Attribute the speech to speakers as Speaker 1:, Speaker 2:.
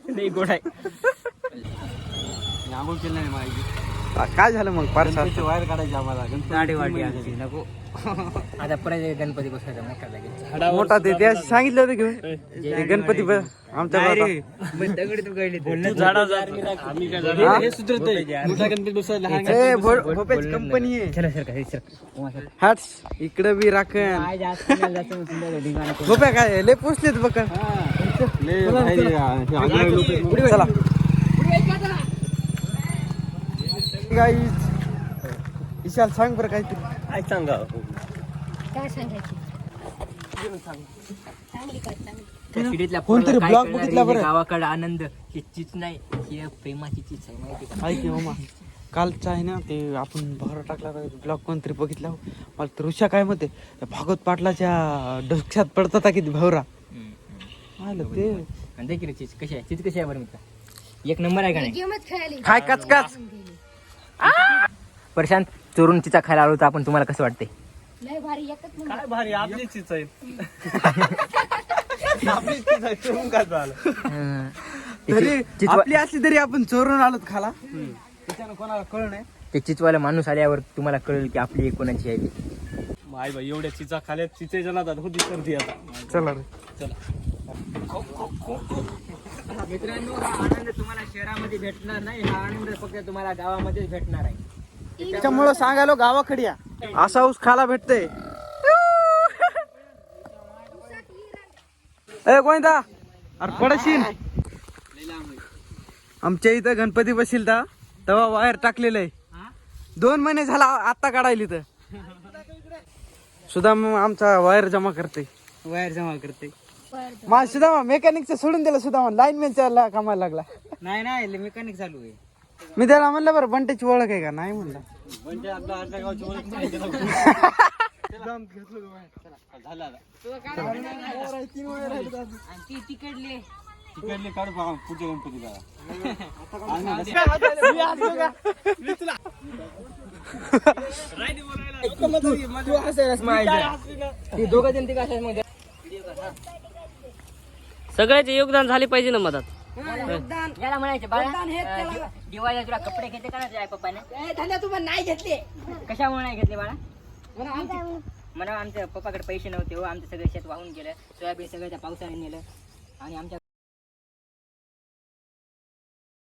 Speaker 1: नाही गोड आहे.
Speaker 2: आंघोळ केलं नाही माझी.
Speaker 3: काय झालं मग पारसा
Speaker 2: वायर काढायची आम्हाला
Speaker 1: गाडी वाढली आमची नको. आता परत गणपती बसवायचा मोठा लागेल.
Speaker 3: मोठा ते त्या सांगितलं होतं घेऊन ते गणपती आमच्या गावात.
Speaker 1: दगडी तू गळली
Speaker 2: हे सुधरतंय. मोठा गणपती बसवायला लहान
Speaker 3: ए, भोपेची कंपनी आहे.
Speaker 1: चला सर काय सर
Speaker 3: हाट्स इकडे बी राखण भोप्या काय लय पोचलेत बघ. चला गाईज विशाल सांग बरं काहीतरी.
Speaker 2: काय सांगा
Speaker 4: काय सांगायची
Speaker 3: कोणतरी ब्लॉग बघितला बरं.
Speaker 1: गावाकडे आनंद ही चीज नाही, ही प्रेमाची चीज आहे माहिती का?
Speaker 3: ऐक मामा कालचा आहे ना ते आपण भर टाकला ब्लॉग कोणतरी बघितला मला तर ऋषा काय म्हणते भागवत पाटलाच्या डोक्यात पडतात किती भावरा आलं ते
Speaker 1: आणि देखील चीज कशी आहे, चीज कशी आहे बरं मित्र? एक नंबर आहे का नाही?
Speaker 4: गेमच खेळायली
Speaker 3: काय कचकाच.
Speaker 1: प्रशांत चोरून चिचा खायला आलो तर आपण तुम्हाला कसं वाटते?
Speaker 4: लय भारी एकच नंबर.
Speaker 2: काय भारी आपली चीज आहे.
Speaker 3: तरी आपली असली तरी आपण चोरून आलोत खाला त्याच्यानं कोणाला कळ नाही.
Speaker 1: ते चिचवाला माणूस आल्यावर तुम्हाला कळेल की आपली एक कोणाची आहे ती.
Speaker 2: माय बाई एवढ्या चिचा खाल्यात चिचेच्या नादात होती सर्दी आता.
Speaker 3: चला रे
Speaker 1: मित्रांनो हा आनंद तुम्हाला शहरामध्ये भेटणार नाही, हा आनंद फक्त तुम्हाला गावामध्येच भेटणार आहे.
Speaker 3: त्याच्यामुळं सांगायलो गावाकडे या असा ऊस खाला भेटतय. ए गोविंदा अरे पडशील. आमच्या इथं गणपती बसील तेव्हा वायर टाकलेलं आहे. 2 महिने झाला आता काढायली तर सुद्धा मग आमचा वायर जमा करते. मा सुद्धा मेकॅनिकचं सोडून दिलं सुद्धा लाईनमॅनच्या कामाला लागला.
Speaker 1: नाही मेकॅनिक चालू आहे.
Speaker 3: मी त्याला म्हणलं बरं बंटेची ओळख आहे का नाही म्हणलं.
Speaker 2: तिकडले काढू बघा पुढच्या गणपतीला.
Speaker 5: सगळ्याचे योगदान झाले पाहिजे ना मधात.
Speaker 1: याला म्हणायचे बाळा दिवाळीला तुला कपडे घेते का ना पप्पाने?
Speaker 4: नाही घेतले
Speaker 1: कशामुळे नाही घेतले बाळा? म्हणा आमच्या पप्पाकडे पैसे नव्हते हो, आमचं सगळं शेत वाहून गेलं, सोयाबीन सगळं त्या पावसाने नेलं आणि आमच्या